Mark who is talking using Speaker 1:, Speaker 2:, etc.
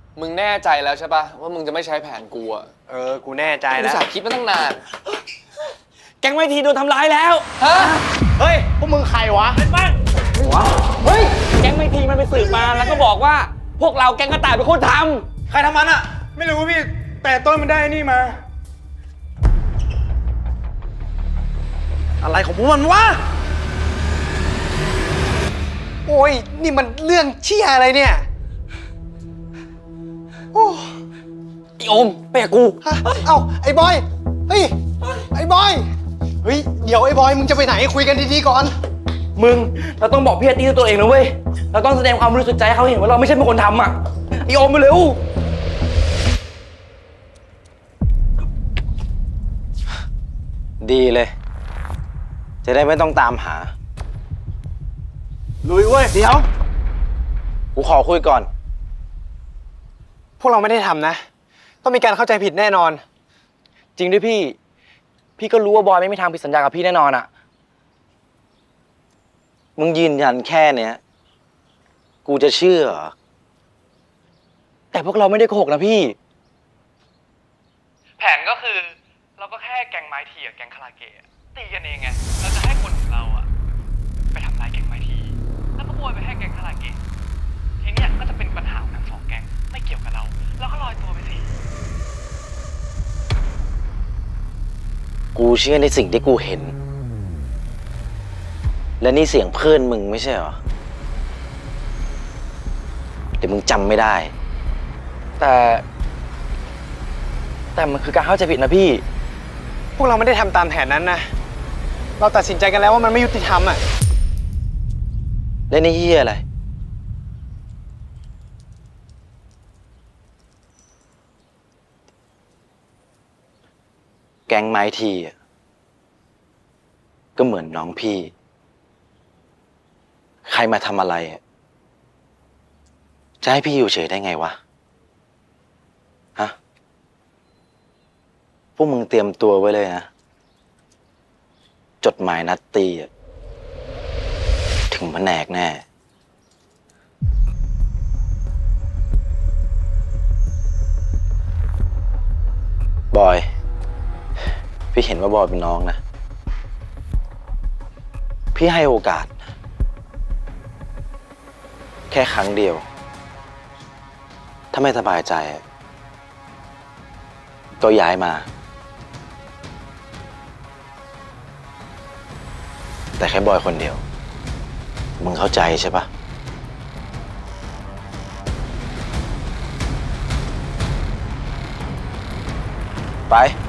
Speaker 1: มึงแน่ใจแล้วใช่ปะว่ามึงจะไม่ใช้แผนกูอะ
Speaker 2: กูแน่ใจ
Speaker 1: กู
Speaker 2: แล้ว
Speaker 1: สาคิดมาตั้งนาน
Speaker 3: แก๊งไวทีโดนทำร้ายแล้ว
Speaker 1: ฮะ
Speaker 2: เฮ้ย พวกมึงใครวะ
Speaker 3: เป็นบ้างเฮ้ย แก๊งไวทีมันไปสืบมาแล้วก็บอกว่า พวกเราแก๊งกระต่ายเป็นคนทำ
Speaker 2: ใครทำมันอะไม่รู้พี่ แต่ต้นมันได้นี่มา อะไรของพวกมันวะ โอ้ย นี่มันเรื่องเชี่ยอะไรเนี่ย โอ้
Speaker 3: ไอโอมไปกับกู
Speaker 2: ฮะเอ้า ไอ้บอย เฮ้ย ไอ้บอย เฮ้ย เดี๋ยวไอ้บอย มึงจะไปไหนคุยกันดีๆก่อน
Speaker 3: มึง เราต้องบอกพี่อาร์ตี้ด้วยตัวเองนะเว้ย เราต้องแสดงความบริสุทธิ์ใจให้เขาเห็นว่าเราไม่ใช่เป็นคนทำอ่ะไอโอมไปเร็ว
Speaker 4: ดีเลย จะได้ไม่ต้องตามหา
Speaker 2: ลุยเว้ย เดี๋ยว
Speaker 4: กูขอคุยก่อน
Speaker 2: พวกเราไม่ได้ทำนะ ต้องมีการเข้าใจผิดแน่นอน
Speaker 3: จริงด้วยพี่ พี่ก็รู้ว่าบอยไม่มีทางผิดสัญญากับพี่แน่นอนอ่ะ
Speaker 4: มึงยืนยันแค่เนี้ย กูจะเชื่อเหรอ
Speaker 3: แต่พวกเราไม่ได้โกหกนะพี่
Speaker 5: แผนก็คือเราก็แค่แก๊งไม้ทีกับแก๊งคาราเกะตีกันเองไงเราจะให้คนของเราอะไปทำลายแก๊งไม้ทีแล้วก็โบยไปให้แก๊งคาราเกะทีเนี้ยก็จะเป็นปัญหาของทั้งสองแก๊งไม่เกี่ยวกับเราก็ลอยตัวไปสิ
Speaker 4: กูเชื่อในสิ่งที่กูเห็น และนี่เสียงเพื่อนมึงไม่ใช่เหรอ เดี๋ยวมึงจำไม่ได้
Speaker 3: แต่มันคือการเข้าใจผิดนะพี่
Speaker 2: พวกเราไม่ได้ทำตามแผนนั้นนะ เราตัดสินใจกันแล้วว่ามันไม่ยุติธรรมอ่ะ
Speaker 4: และนี่เฮียอะไร แก๊งไม้ทีอะก็เหมือนน้องพี่ ใครมาทำอะไรอะจะให้พี่อยู่เฉยได้ไงวะ ฮะ พวกมึงเตรียมตัวไว้เลยนะ จดหมายนัดตีอะถึงแผนกแน่ บอย พี่เห็นว่าบอยเป็นน้องนะ พี่ให้โอกาส แค่ครั้งเดียว ถ้าไม่สบายใจ ก็ย้ายมา แต่แค่บอยคนเดียว มึงเข้าใจใช่ปะไป